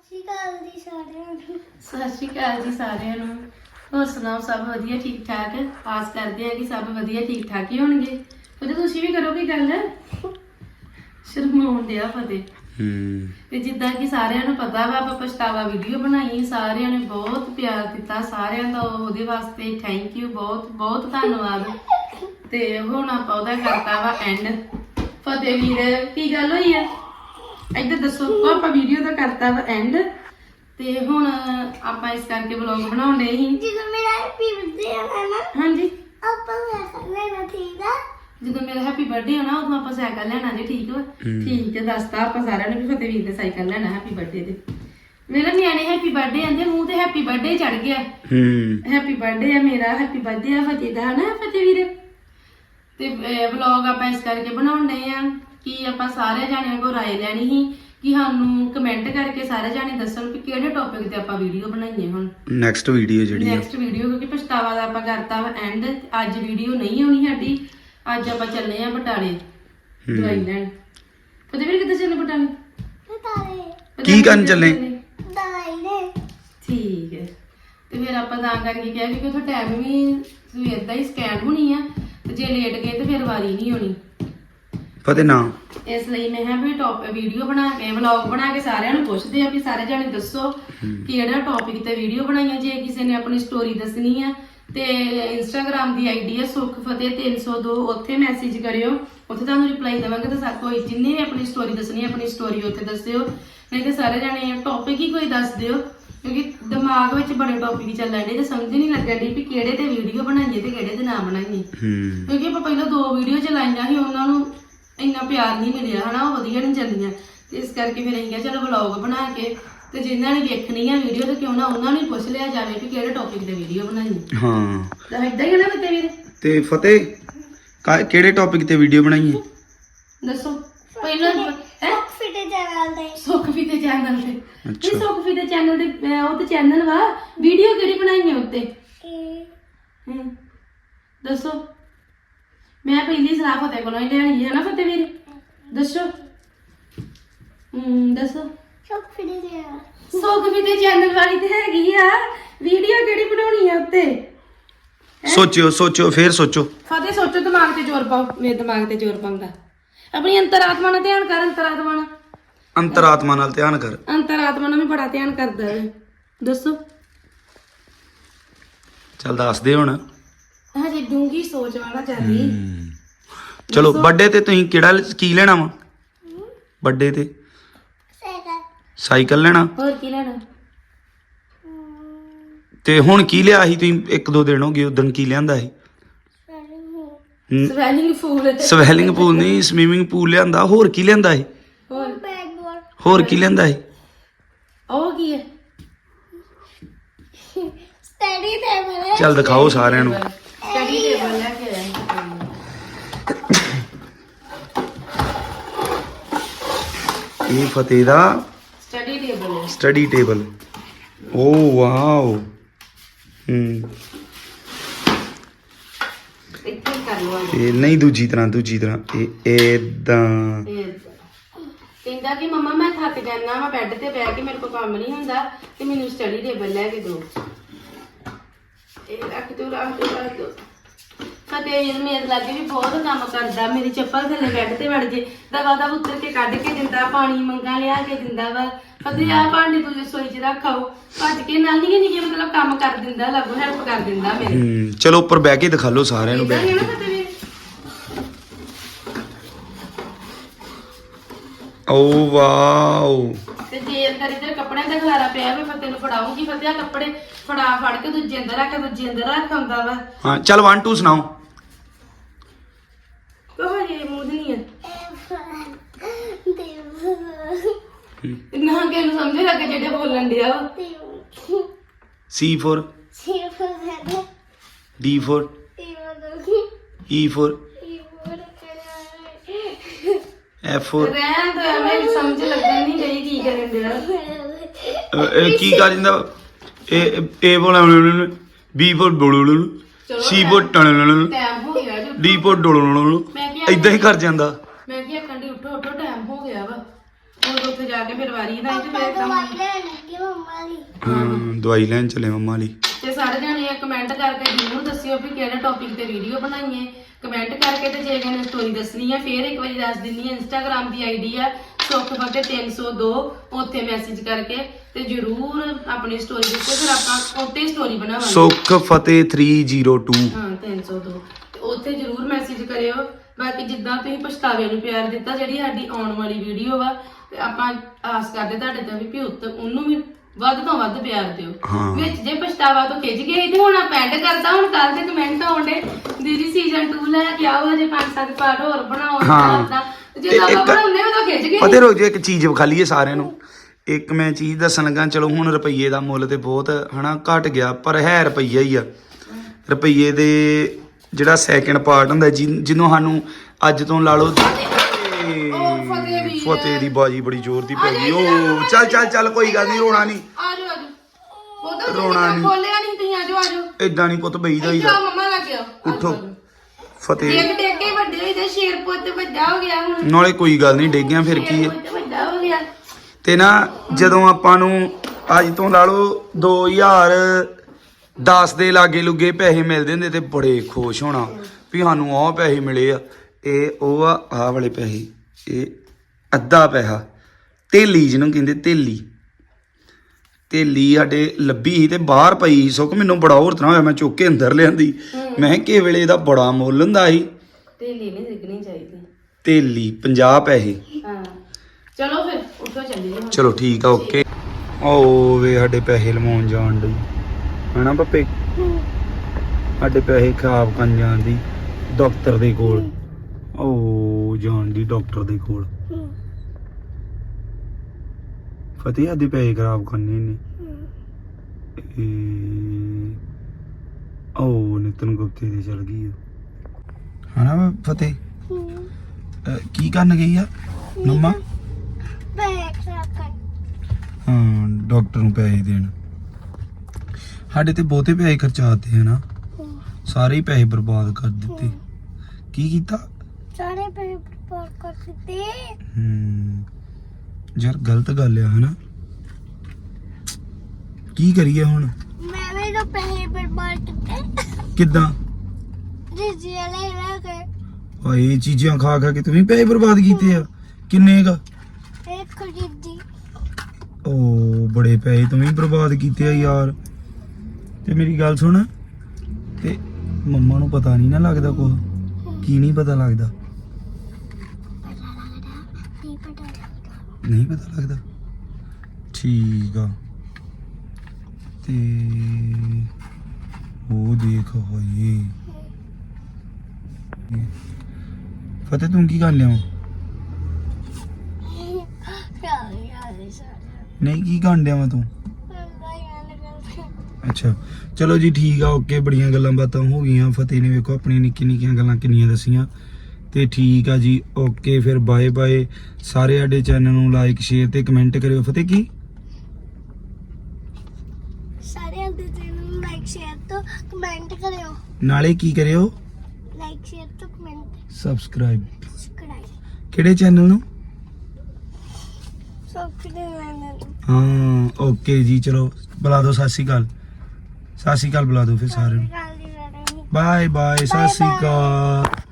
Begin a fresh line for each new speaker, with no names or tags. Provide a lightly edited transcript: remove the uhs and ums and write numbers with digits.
ਸਤਿ ਸ਼੍ਰੀ ਅਕਾਲ ਜੀ ਸਾਰਿਆਂ ਨੂੰ। ਹੋਰ ਸੁਣਾਓ, ਸਭ ਵਧੀਆ ਠੀਕ ਠਾਕ? ਆਸ ਕਰਦੇ ਆ ਕਿ ਸਭ ਵਧੀਆ ਠੀਕ ਠਾਕ ਹੀ ਹੋਣਗੇ। ਤੇ ਤੁਸੀਂ ਵੀ ਕਰੋਗੇ ਗੱਲ। ਸ਼ਰਮਾਉਣ ਡਿਆ ਫਤਿਹ। ਤੇ ਜਿੱਦਾਂ ਕਿ ਸਾਰਿਆਂ ਨੂੰ ਪਤਾ ਵਾ, ਆਪਾਂ ਪਛਤਾਵਾ ਵੀਡੀਓ ਬਣਾਈ, ਸਾਰਿਆਂ ਨੇ ਬਹੁਤ ਪਿਆਰ ਦਿੱਤਾ, ਸਾਰਿਆਂ ਦਾ ਉਹਦੇ ਵਾਸਤੇ ਥੈਂਕ ਯੂ, ਬਹੁਤ ਬਹੁਤ ਧੰਨਵਾਦ। ਤੇ ਹੁਣ ਆਪਾਂ ਉਹਦਾ ਕਰਤਾ ਵਾ ਐਂਡ। ਫਤਿਹ ਵੀਰ ਕੀ ਗੱਲ ਹੋਈ ਆ, ਇੱਧਰ ਦੱਸੋ। ਆਪਾਂ ਵੀਡੀਓ ਦਾ ਕਰਤਾ ਵਾ ਐਂਡ ਤੇ ਹੁਣ ਆਪਾਂ ਇਸ ਕਰਕੇ ਵਲੌਗ ਬਣਾਉਂਦੇ ਸੀ।
ਜਦੋਂ ਮੇਰਾ ਹੈਪੀ ਬਰਥਡੇ ਆਣਾ ਨਾ,
ਹਾਂਜੀ
ਆਪਾਂ ਸਾਈਕਲ ਲੈਣਾ, ਠੀਕ ਆ?
ਜਦੋਂ ਮੇਰਾ ਹੈਪੀ ਬਰਥਡੇ ਹੋਣਾ ਉਦੋਂ ਆਪਾਂ ਸਾਈਕਲ ਲੈਣਾ ਜੀ, ਠੀਕ ਵਾ? ਠੀਕ ਹੈ, ਦੱਸਤਾ ਆਪਾਂ ਸਾਰਿਆਂ ਨੂੰ ਵੀ ਫਤਿਹ ਵੀਰ ਦੇ ਸਾਈਕਲ ਲੈਣਾ ਹੈਪੀ ਬਰਥਡੇ ਤੇ। ਮੇਰਾ ਨਿਆਣੇ ਹੈਪੀ ਬਰਥਡੇ ਆਂਦੇ, ਮੂੰਹ ਤੇ ਹੈਪੀ ਬਰਥਡੇ ਚੜ ਗਿਆ। ਹੈਪੀ ਬਰਥਡੇ ਆ ਮੇਰਾ, ਹੈਪੀ ਬਰਥਡੇ ਆ ਫਤਿਹ ਦਾ, ਹਨਾ ਫਤਿਹ ਵੀਰ? ਤੇ ਵਲੌਗ ਆਪਾਂ ਇਸ ਕਰਕੇ ਬਣਾਉਂਦੇ ਆ ਕਿ ਆਪਾਂ ਸਾਰੇ ਜਾਣਿਆਂ ਕੋਲ ਰਾਏ ਲੈਣੀ ਸੀ ਕਿ ਸਾਨੂੰ ਕਮੈਂਟ ਕਰਕੇ ਸਾਰੇ ਜਾਣੇ ਦੱਸਣ ਕਿ ਕਿਹੜੇ ਟੌਪਿਕ ਤੇ ਆਪਾਂ ਵੀਡੀਓ ਬਣਾਈਏ। ਹੁਣ ਨੈਕਸਟ ਵੀਡੀਓ ਕਿਉਂਕਿ ਪਛਤਾਵਾ ਦਾ ਆਪਾਂ ਕਰਤਾ ਵਾ ਐਂਡ। ਅੱਜ ਵੀਡੀਓ ਨਹੀਂ ਆਉਣੀ ਸਾਡੀ, ਅੱਜ ਆਪਾਂ ਚੱਲੇ ਆ ਬਟਾਲੇ ਦਵਾਈ ਲੈਣ। ਫਤਿਹ ਵੀਰ ਕਿੱਥੇ ਚੱਲੇ? ਬਟਾਲੇ।
ਕੀ ਕਰਨ ਚੱਲੇ?
ਦਵਾਈ ਲੈ।
ਠੀਕ ਹੈ। ਤੇ ਫਿਰ ਆਪਾਂ ਤਾਂ ਕਰਕੇ ਕਿਹਾ ਕਿ ਉੱਥੇ ਟਾਈਮ ਵੀ ਸਵੇਰ ਦਾ ਹੀ ਸਕੈਨ ਹੋਣੀ ਆ, ਤੇ ਜੇ ਲੇਟ ਗਏ ਤੇ ਫਿਰ ਵਾਰੀ ਨਹੀਂ ਹੋਣੀ।
ਫਤਿਹ ਨਾ
ਇਸ ਲਈ ਮੈਂ ਕਿਹਾ ਵੀ ਵੀਡੀਓ ਬਣਾ ਕੇ ਵਲੌਗ ਬਣਾ ਕੇ ਸਾਰਿਆਂ ਨੂੰ ਪੁੱਛਦੇ ਆ ਵੀ ਸਾਰੇ ਜਾਣੇ ਦੱਸੋ ਕਿਹੜਾ ਟੌਪਿਕ ਤੇ ਵੀਡੀਓ ਬਣਾਈਆਂ। ਜੇ ਕਿਸੇ ਨੇ ਆਪਣੀ ਸਟੋਰੀ ਦੱਸਣੀ ਆ ਤੇ ਇੰਸਟਾਗ੍ਰਾਮ ਦੀ ਆਈਡੀ ਆ ਸੁਖ ਫਤਿਹ 302, ਉੱਥੇ ਮੈਸੇਜ ਕਰਿਓ, ਉੱਥੇ ਤੁਹਾਨੂੰ ਰਿਪਲਾਈ ਦੇਵਾਂਗੇ। ਤੇ ਕੋਈ ਜਿੰਨੇ ਵੀ ਆਪਣੀ ਸਟੋਰੀ ਦੱਸਣੀ ਆਪਣੀ ਸਟੋਰੀ ਉੱਥੇ ਦੱਸਿਓ, ਨਹੀਂ ਤੇ ਸਾਰੇ ਜਾਣੇ ਟੌਪਿਕ ਹੀ ਕੋਈ ਦੱਸ ਦਿਓ, ਕਿਉਂਕਿ ਦਿਮਾਗ ਵਿੱਚ ਬੜੇ ਟੌਪਿਕ ਚੱਲਣ ਡੇ ਤੇ ਸਮਝ ਨਹੀਂ ਲੱਗਣ ਡਈ ਵੀ ਕਿਹੜੇ ਤੇ ਵੀਡੀਓ ਬਣਾਈਏ ਤੇ ਕਿਹੜੇ ਤੇ ਨਾ ਬਣਾਈਏ। ਕਿਉਂਕਿ ਆਪਾਂ ਪਹਿਲਾਂ 2 ਵੀਡੀਓ ਚਲਾਈਆਂ ਸੀ, ਉਹਨਾਂ ਨੂੰ ਇੰਨਾ ਪਿਆਰ ਨਹੀਂ ਮਿਲਿਆ, ਹਨਾ, ਉਹ ਵਧੀਆ ਨਹੀਂ ਚੱਲੀਆਂ। ਤੇ ਇਸ ਕਰਕੇ ਫਿਰ ਅਸੀਂ ਕਿਹਾ ਚਲੋ ਵਲੌਗ ਬਣਾ ਕੇ ਤੇ ਜਿਨ੍ਹਾਂ ਨੇ ਵੇਖਣੀ ਆ ਵੀਡੀਓ ਤੇ ਕਿਉਂ ਨਾ ਉਹਨਾਂ ਨੂੰ ਪੁੱਛ ਲਿਆ ਜਾਵੇ ਕਿ ਕਿਹੜੇ ਟੌਪਿਕ ਤੇ ਵੀਡੀਓ ਬਣਾਈਏ।
ਹਾਂ
ਤਾਂ ਏਦਾਂ ਹੀ ਨਾ ਫਤਿਹ ਵੀਰ?
ਤੇ ਫਤਿਹ ਕਿਹੜੇ ਟੌਪਿਕ ਤੇ ਵੀਡੀਓ ਬਣਾਈਏ
ਦੱਸੋ ਪਹਿਲਾਂ।
ਫਿਟੇ ਚੈਨਲ ਤੇ।
ਸੁਖਫੀਤੇ ਚੈਨਲ ਤੇ। ਇਹ ਸੁਖਫੀਤੇ ਚੈਨਲ ਤੇ ਉਹ ਤੇ ਚੈਨਲ ਵਾ, ਵੀਡੀਓ ਕਿਹੜੀ ਬਣਾਈ ਹੈ ਉੱਤੇ? ਦੱਸੋ। ਮੈਂ ਪਹਿਲੀ ਸਲਾਹ ਫਤਿਹ ਕੋਲੋਂ ਹੀ ਲੈਣੀ ਹੈ ਨਾ ਫਤਿਹ ਵੀਰ? ਦੱਸੋ। ਦੱਸੋ। ਸੁਖਫੀਤੇ ਚੈਨਲ ਵਾਲੀ ਤੇ ਹੈਗੀ ਆ, ਵੀਡੀਓ ਕਿਹੜੀ ਬਣਾਉਣੀ ਆ ਉੱਤੇ?
ਸੋਚੋ ਫੇਰ ਸੋਚੋ।
ਫਤਿਹ ਸੋਚੋ, ਦਿਮਾਗ ਤੇ ਜ਼ੋਰ ਪਾਓ। ਮੇਰੇ ਦਿਮਾਗ ਤੇ ਜ਼ੋਰ ਪਾਉਂਦਾ। ਆਪਣੀ ਅੰਤਰਾਤਮਾ ਨਾਲ ਧਿਆਨ ਕਰ।
ਅੰਤਰਾਤਮਾ ਨਾਲ ਧਿਆਨ ਕਰ।
ਅੰਤਰਾਤਮਾ ਨਾਲ ਵੀ ਬੜਾ ਧਿਆਨ ਕਰਦਾ ਹੈ। ਦੱਸੋ।
ਚੱਲ ਦੱਸ ਦੇ ਹੁਣ।
ਹਜੇ ਡੂੰਗੀ ਸੋਚ ਵਾਲਾ ਚੱਲੀ।
ਚਲੋ ਬਰਥਡੇ ਤੇ ਤੁਸੀਂ ਕਿਹੜਾ ਕੀ ਲੈਣਾ ਵਾ? ਬਰਥਡੇ ਤੇ ਸਾਈਕਲ ਲੈਣਾ।
ਹੋਰ ਕੀ ਲੈਣਾ?
ਤੇ ਹੁਣ ਕੀ ਲਿਆ ਸੀ ਤੁਸੀਂ? 1-2 ਦਿਨ ਹੋ ਗਏ, ਉਦੋਂ ਕੀ ਲਿਆਂਦਾ ਸੀ? ਸਵੈਲਿੰਗ ਪੂਲ ਨਹੀਂ, ਸਵੀਮਿੰਗ ਪੂਲ ਲਿਆਂਦਾ। ਹੋਰ ਕੀ ਲਿਆਂਦਾ ਸੀ? ਹੋਰ ਕੀ ਲਿਆਂਦਾ ਸੀ?
ਉਹ ਕੀ ਹੈ?
Study table.
ਚੱਲ ਦਿਖਾਓ ਸਾਰਿਆਂ ਨੂੰ।
ਸਟੱਡੀ ਟੇਬਲ ਲੈ ਕੇ ਆਇਆ।
ਇਹ ਫਤਿਹ ਦਾ
ਸਟੱਡੀ ਟੇਬਲ।
Oh wow.
ਇੱਥੇ ਕਰ ਲਓ।
ਇਹ ਨਹੀਂ ਦੂਜੀ ਤਰ੍ਹਾਂ ਇਹ ਏਦਾਂ।
ਕਹਿੰਦਾ ਕਿ ਮੰਮਾ ਮੈਂ ਥੱਕ ਜਾਣਾ ਵਾ ਬੈੱਡ ਤੇ ਬਹਿ ਕੇ, ਮੇਰੇ ਕੋਲ ਕੰਮ ਨਹੀਂ ਹੁੰਦਾ ਤੇ ਮੈਨੂੰ ਸਟੱਡੀ ਟੇਬਲ ਲੈ ਕੇ ਦਿਓ। ਇਹ ਰੱਖ ਦਿਓ। ਫਤਿਹ ਮੇਰੇ ਲਾਗੇ ਵੀ ਬਹੁਤ ਕੰਮ ਕਰਦਾ, ਮੇਰੀ ਚੱਪਲ ਥੱਲੇ ਬੈੱਡ ਤੇ ਵੜ ਜੇ ਦਵਾ ਦਾ ਉੱਤਰ ਕੇ ਕੱਢ ਕੇ ਦਿੰਦਾ, ਪਾਣੀ ਮੰਗਾ ਲਿਆ ਕੇ ਦਿੰਦਾ ਵਾ। ਫਤਿਹ ਆ ਭਾਂਡੇ ਤੂੰ ਰਸੋਈ 'ਚ ਰੱਖਾਓ, ਭੱਜ ਕੇ ਨਾਲ ਨਹੀਂ ਮਤਲਬ ਕੰਮ ਕਰ ਦਿੰਦਾ, ਲਾਗੂ ਹੈਲਪ ਕਰ ਦਿੰਦਾ ਮੇਰੇ।
ਚਲੋ ਉੱਪਰ ਬਹਿ ਕੇ ਦਿਖਾ ਲਓ ਸਾਰਿਆਂ ਨੂੰ। ਬੈਠ ਕੇ। ਓ ਵਾਓ।
ਤੇ ਜੇ ਅੰਦਰ ਇੱਧਰ ਕੱਪੜਿਆਂ ਦਾ ਖਲਾਰਾ ਪਿਆ ਵਾ, ਫਤਿਹ ਨੂੰ ਫੜਾਉਂਗੀ। ਫਤਿਹ ਆ ਕੱਪੜੇ ਫੜ ਕੇ ਦੂਜੇ ਅੰਦਰ ਰੱਖ ਆਉਂਦਾ ਵਾ।
ਹਾਂ ਚੱਲ 1 2 ਸੁਣਾਓ।
ਕਹੋ ਜੀ ਮੂੰਹ ਨਹੀਂ ਹੈ ਨਾ ਕਿ ਨੂੰ ਸਮਝ ਲੱਗੇ ਜਿਹੜੇ ਬੋਲਣ ਡਿਆ ਵਾ।
C for D for E for F for
ਰਹਿਣ ਤੋਂ ਐਵੇਂ ਸਮਝ ਲੱਗਣ ਨਹੀਂ ਗਈ ਕੀ ਕਰਨ ਡਿਆ।
ਕੀ ਕਰ ਦਿੰਦਾ? A for B for C for
time ਹੋ ਗਿਆ ਜੋ।
D for ਏਦਾਂ ਹੀ ਕਰ ਜਾਂਦਾ।
ਮੈਂ ਕਿਹਾ ਕੰਡੀ ਉੱਠੋ ਟਾਈਮ ਹੋ ਗਿਆ ਵਾ। ਉਹ ਉੱਥੇ ਜਾ ਕੇ ਫਿਰ ਵਾਰੀ ਨਾ ਤੇ ਫਿਰ ਕੰਮ
ਦਵਾਈ ਲੈਣ ਚਲੇ ਮੰਮਾ ਲਈ।
ਤੇ ਸਾਰੇ ਜਣੇ ਕਮੈਂਟ ਕਰਕੇ ਜ਼ਰੂਰ ਦੱਸਿਓ ਵੀ ਕਿਹੜੇ ਟੌਪਿਕ ਤੇ ਵੀਡੀਓ ਬਣਾਈਏ। ਕਮੈਂਟ ਕਰਕੇ ਤੇ ਜੇ ਕਿਸੇ ਨੇ ਸਟੋਰੀ ਦੱਸਣੀ ਹੈ ਫੇਰ ਇੱਕ ਵਾਰੀ ਦੱਸ ਦਿੰਨੀ ਹੈ। ਇੰਸਟਾਗ੍ਰਾਮ ਦੀ ਆਈਡੀ ਆ ਸੁਖਫਤਿਹ 302, ਉੱਥੇ ਮੈਸੇਜ ਕਰਕੇ ਤੇ ਜ਼ਰੂਰ ਆਪਣੀ ਸਟੋਰੀ ਦੱਸੋ, ਫਿਰ ਆਪਾਂ ਉੱਤੇ ਸਟੋਰੀ ਬਣਾਵਾਂਗੇ।
ਸੁਖਫਤਿਹ 302
ਹਾਂ 302 ਤੇ ਉੱਥੇ ਜ਼ਰੂਰ ਮੈਸੇਜ ਕਰਿਓ। ਬਾਕੀ ਜਿੱਦਾਂ ਤੁਸੀਂ ਪਛਤਾਵੇ ਨੂੰ ਪਿਆਰ ਦਿੱਤਾ, ਜਿਹੜੀ ਸਾਡੀ ਆਉਣ ਵਾਲੀ ਵੀਡੀਓ ਵਾ ਤੇ ਆਪਾਂ ਆਸ ਕਰਦੇ ਤੁਹਾਡੇ ਤੋਂ ਵੀ ਉੱਤ ਉਹਨੂੰ ਵੀ ਵੱਧ ਤੋਂ ਵੱਧ ਪਿਆਰ ਦਿਓ। ਵਿੱਚ ਜੇ ਪਛਤਾਵਾ ਤੋਂ ਖਿੱਚ ਗਏ ਤੇ ਹੁਣ ਪੈਂਡ ਕਰਦਾ, ਹੁਣ ਕੱਲ ਦੇ ਕਮੈਂਟ ਆਉਂਦੇ ਦੀਦੀ ਸੀਜ਼ਨ 2 ਲੈ ਕੇ ਆਓ, ਹਜੇ 5-7 ਪਾਰਟ ਹੋਰ ਬਣਾਓ। ਜਦੋਂ ਆਪਾਂ ਬਣਾਉਂਦੇ ਉਦੋਂ ਖਿੱਚ ਗਏ।
ਪਤਾ ਰੋਜ਼ ਇੱਕ ਚੀਜ਼ ਵਿਖਾ ਲਈਏ ਸਾਰਿਆਂ ਨੂੰ। ਇੱਕ ਮੈਂ ਚੀਜ਼ ਦੱਸਣ ਲੱਗਾ, ਚਲੋ ਹੁਣ ਰੁਪਈਏ ਦਾ ਮੁੱਲ ਤੇ ਬਹੁਤ ਹਨਾ ਘਟ ਗਿਆ, ਪਰ ਹੈ ਰੁਪਈਆ ਹੀ ਆ। ਰੁਪਈਏ ਦੇ ਜਿਹੜਾ ਸੈਕਿੰਡ ਪਾਰਟ ਹੁੰਦਾ ਜਿਹਨੂੰ ਸਾਨੂੰ ਅੱਜ ਤੋਂ ਲਾ ਲਓ ਫਤਿਹ ਦੀ ਬਾਜੀ ਬੜੀ ਜ਼ੋਰ ਦੀ ਪੈ ਗਈ। ਉਹ ਚੱਲ ਕੋਈ ਗੱਲ ਨਹੀਂ, ਰੋਣਾ ਨਹੀਂ, ਰੋਣਾ ਨਹੀਂ,
ਖੋਲਿਆ ਨਹੀਂ ਤੁਸੀਂ ਆਜੋ ਆਜੋ।
ਏਦਾਂ ਨਹੀਂ ਪੁੱਤ ਬਈਦਾ ਹੀ ਦਾ।
ਮੰਮਾ ਲੱਗ ਗਿਆ,
ਉੱਠੋ ਫਤਿਹ।
ਡੇਗ ਕੇ ਵੱਡੇ ਹੋਏ ਤੇ ਸ਼ੇਰ ਪੁੱਤ ਵੱਡਾ ਹੋ ਗਿਆ ਹੁਣ।
ਨਾਲੇ ਕੋਈ ਗੱਲ ਨਹੀਂ, ਡੇਗਿਆ ਫਿਰ ਕੀ ਹੈ।
ਵੱਡਾ ਹੋ ਗਿਆ
ਤੇ ਨਾ ਜਦੋਂ ਆਪਾਂ ਨੂੰ ਅੱਜ ਤੋਂ ਲਾ ਲਓ 2010 ਦੇ ਲਾਗੇ ਲੁਗੇ ਪੈਸੇ ਮਿਲਦੇ ਹੁੰਦੇ ਤੇ ਬੜੇ ਖੁਸ਼ ਹੋਣਾ ਵੀ ਸਾਨੂੰ ਆਹ ਪੈਸੇ ਮਿਲੇ ਆ। ਇਹ ਉਹ ਆਹ ਵਾਲੇ ਪੈਸੇ, ਇਹ ਅੱਧਾ ਪੈਸਾ ਤੇਲੀ ਜਿਹਨੂੰ ਕਹਿੰਦੇ ਤੇਲੀ ਸਾਡੇ ਲੱਭੀ ਸੀ ਤੇ ਬਾਹਰ ਪਈ ਸੀ। ਸੁੱਕ ਮੈਨੂੰ ਬੜਾ ਹੋਰ ਤਰ੍ਹਾਂ ਹੋਇਆ, ਮੈਂ ਚੁੱਕ ਕੇ ਅੰਦਰ ਲਿਆਂਦੀ। ਮੈਂ ਕਿਹਾ ਕਿਸੇ ਵੇਲੇ ਇਹਦਾ ਬੜਾ ਮੁੱਲ ਹੁੰਦਾ ਸੀ।
ਤੇਲੀ ਨਹੀਂ ਸਿੱਖਣੀ ਚਾਹੀਦੀ।
ਤੇਲੀ 50 ਪੈਸੇ।
ਹਾਂ ਚਲੋ ਫਿਰ ਉੱਠੋ ਚੱਲੀਏ।
ਚਲੋ ਠੀਕ ਆ, ਓਕੇ। ਓ ਵੇ ਸਾਡੇ ਪੈਸੇ ਲਵਾਉਣ ਜਾਣ ਡਈ ਹਨਾ ਪੱਪੇ, ਸਾਡੇ ਪੈਸੇ ਖਰਾਬ ਕਰਨ ਜਾਣ ਦੀ ਡਾਕਟਰ ਦੇ ਕੋਲ। ਓ ਜਾਣ ਦੀ ਡਾਕਟਰ ਦੇ ਕੋਲ। ਫਤਿਹ ਆਦੇ ਪੈਸੇ ਖਰਾਬ ਕਰਨੇ ਨੇ। ਓ ਨਿਤਨ ਗੁਪਤੇ ਦੇ ਚਲ ਗਈ ਹਨਾ ਫਤਿਹ। ਕੀ ਕਰਨ ਗਈ ਆ ਮੰਮਾ? ਹਾਂ ਡਾਕਟਰ ਨੂੰ ਪੈਸੇ ਦੇਣ। ਸਾਡੇ ਤੇ ਬਹੁਤੇ ਪੈਸੇ ਖਰਚਾਤੇ ਹਨਾ, ਸਾਰੇ ਹੀ ਪੈਸੇ ਬਰਬਾਦ ਕਰ ਦਿੱਤੇ। ਕੀ ਕੀਤਾ?
ਸਾਰੇ ਪੈਸੇ ਬਰਬਾਦ ਕਰ ਦਿੱਤੇ।
ਯਾਰ ਗਲਤ ਗੱਲ ਆ ਹਨਾ। ਕੀ ਕਰੀਏ ਹੁਣ?
ਮੈਂ ਵੀ ਤਾਂ ਪੈਸੇ ਬਰਬਾਦ ਕੀਤੇ।
ਕਿੱਦਾਂ?
ਜੀ ਲੈ ਲੈ ਕੇ
ਓਏ ਇਹ ਚੀਜ਼ਾਂ ਖਾ ਕੇ ਤੂੰ ਵੀ ਪੈਸੇ ਬਰਬਾਦ ਕੀਤੇ ਆ। ਕਿੰਨੇ ਕ?
ਇੱਕ ਖਰੀਦੀ।
ਓ ਬੜੇ ਪੈਸੇ ਤੂੰ ਵੀ ਬਰਬਾਦ ਕੀਤੇ ਆ ਯਾਰ। ਤੇ ਮੇਰੀ ਗੱਲ ਸੁਣ, ਤੇ ਮੰਮਾ ਨੂੰ ਪਤਾ ਨਹੀਂ ਨਾ ਲੱਗਦਾ ਕੁਝ? ਕੀ ਨਹੀਂ ਪਤਾ ਲੱਗਦਾ? ਨਹੀਂ ਪਤਾ ਲੱਗਦਾ। ਠੀਕ ਆ। ਤੇ ਉਹ ਦੇਖ ਹੋਏ ਫਤਿਹ ਤੂੰ ਕੀ ਕਰ ਲਿਆ? ਨਹੀਂ ਕੀ ਕਰਨ ਡਿਆ ਵਾ ਤੂੰ? ਅੱਛਾ ਚਲੋ ਜੀ ਠੀਕ ਆ, ਓਕੇ। ਬੜੀਆਂ ਗੱਲਾਂ ਬਾਤਾਂ ਹੋ ਗਈਆਂ। ਫਤਿਹ ਨੇ ਵੇਖੋ ਆਪਣੀਆਂ ਨਿੱਕੀਆਂ ਗੱਲਾਂ ਕਿੰਨੀਆਂ ਦੱਸੀਆਂ। ਤੇ ਠੀਕ ਆ ਜੀ, ਓਕੇ ਫਿਰ ਬਾਏ ਬਾਏ। ਸਾਰੇ ਸਾਡੇ ਚੈਨਲ ਨੂੰ ਲਾਈਕ ਸ਼ੇਅਰ ਤੇ ਕਮੈਂਟ ਕਰਿਓ। ਫਤਿਹ ਕੀ?
ਸਾਰੇ ਦੇ ਚੈਨਲ ਨੂੰ ਲਾਈਕ ਸ਼ੇਅਰ ਤੇ ਕਮੈਂਟ ਕਰਿਓ।
ਨਾਲੇ ਕੀ ਕਰਿਓ?
ਲਾਈਕ ਸ਼ੇਅਰ ਤੇ ਕਮੈਂਟ
ਸਬਸਕ੍ਰਾਈਬ।
ਸਬਸਕ੍ਰਾਈਬ
ਕਿਹੜੇ ਚੈਨਲ ਨੂੰ?
ਸਭ ਕਿਤੇ ਲੈਣਾ।
ਹਾਂ ਓਕੇ ਜੀ, ਚਲੋ ਬੁਲਾ ਦਿਓ ਸਤਿ ਸ਼੍ਰੀ ਅਕਾਲ। ਸਤਿ ਸ਼੍ਰੀ ਅਕਾਲ ਬੁਲਾ ਦਿਓ ਫਿਰ ਸਾਰਿਆਂ ਨੂੰ। ਬਾਏ ਬਾਏ, ਸਤਿ ਸ਼੍ਰੀ ਅਕਾਲ।